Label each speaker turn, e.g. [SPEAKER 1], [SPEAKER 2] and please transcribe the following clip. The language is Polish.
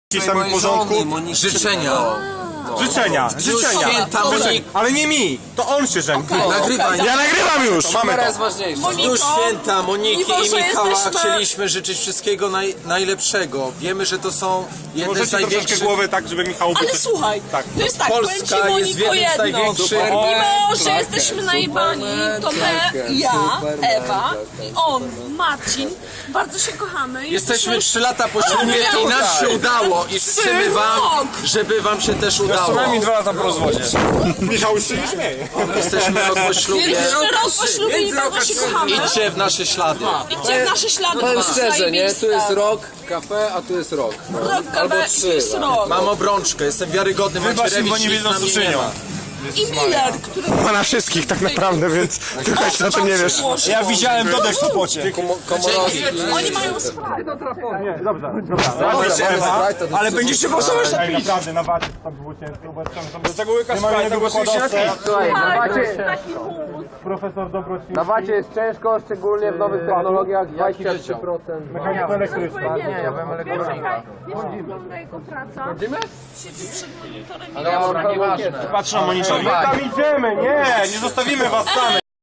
[SPEAKER 1] W samym porządku.
[SPEAKER 2] Życzenia.
[SPEAKER 1] Życzenia.
[SPEAKER 2] Święta Moniki.
[SPEAKER 1] Ale nie mi, to on się żeni.
[SPEAKER 2] Nagrywaj.
[SPEAKER 1] Ja nagrywam już! Mamy to.
[SPEAKER 2] Już święta Moniki i Michała
[SPEAKER 3] jesteśmy-
[SPEAKER 2] chcieliśmy życzyć wszystkiego najlepszego. Wiemy, że to są jedne z
[SPEAKER 1] Możecie troszeczkę
[SPEAKER 2] największych...
[SPEAKER 1] głowę tak, żeby Michał...
[SPEAKER 3] Ale słuchaj,
[SPEAKER 1] Tak.
[SPEAKER 3] to jest tak,
[SPEAKER 2] Polska
[SPEAKER 3] powiem ci,
[SPEAKER 2] jest
[SPEAKER 3] Moniko,
[SPEAKER 2] jednym z
[SPEAKER 3] jedno.
[SPEAKER 2] największych-
[SPEAKER 3] Mimo, że jesteśmy najebani, to my, ja, Ewa i on, Marcin, bardzo się kochamy.
[SPEAKER 2] Jesteśmy 3 lata po ślubie i nam się udało i życzymy wam, żeby wam się też udało.
[SPEAKER 1] Co najmniej 2 lata po rozwodzie. Michał już się nie śmieje.
[SPEAKER 2] Jesteśmy rok po ślubie.
[SPEAKER 3] Więc rok po ślubie i bardzo się kochamy.
[SPEAKER 2] Idźcie w nasze ślady.
[SPEAKER 3] Idźcie w nasze ślady.
[SPEAKER 4] Powiem
[SPEAKER 3] to jest
[SPEAKER 4] szczerze, nie? Tu jest
[SPEAKER 3] zajebiste.
[SPEAKER 4] rok kafe, a tu jest rok.
[SPEAKER 3] Rok
[SPEAKER 4] Albo
[SPEAKER 3] kawę,
[SPEAKER 4] 3.
[SPEAKER 3] tu jest rok.
[SPEAKER 2] Mam obrączkę, jestem wiarygodny.
[SPEAKER 1] Wybacz im, bo nie
[SPEAKER 2] Macierewicz,
[SPEAKER 1] wiedzą,
[SPEAKER 2] nic
[SPEAKER 1] co
[SPEAKER 2] na mnie
[SPEAKER 1] czynią.
[SPEAKER 2] nie ma.
[SPEAKER 3] I Miller, który...
[SPEAKER 1] Ma na wszystkich tak naprawdę, więc ty też na tym nie wiesz. Ja widziałem Dodę w Sopocie.
[SPEAKER 3] Oni mają sprawę.
[SPEAKER 1] Ale będziesz się głosować na pić. Naprawdę, na wacie tam było ciężko, bo tam tego łyka Sprite'a głosujcie na pić.
[SPEAKER 4] Słuchaj,
[SPEAKER 3] Taki mus.
[SPEAKER 1] Profesor Dobrociński.
[SPEAKER 4] na wacie jest ciężko, szczególnie w nowych technologiach, 23%.
[SPEAKER 1] Mechanik elektryczny.
[SPEAKER 4] Nie, ja byłem elektronika.
[SPEAKER 3] Wiesz, jak wygląda jego praca? Siedzi przed monitorem i
[SPEAKER 4] Ale ja mam pełną wiedzę.
[SPEAKER 1] Patrz na monitor. Tam idziemy, nie zostawimy was samych.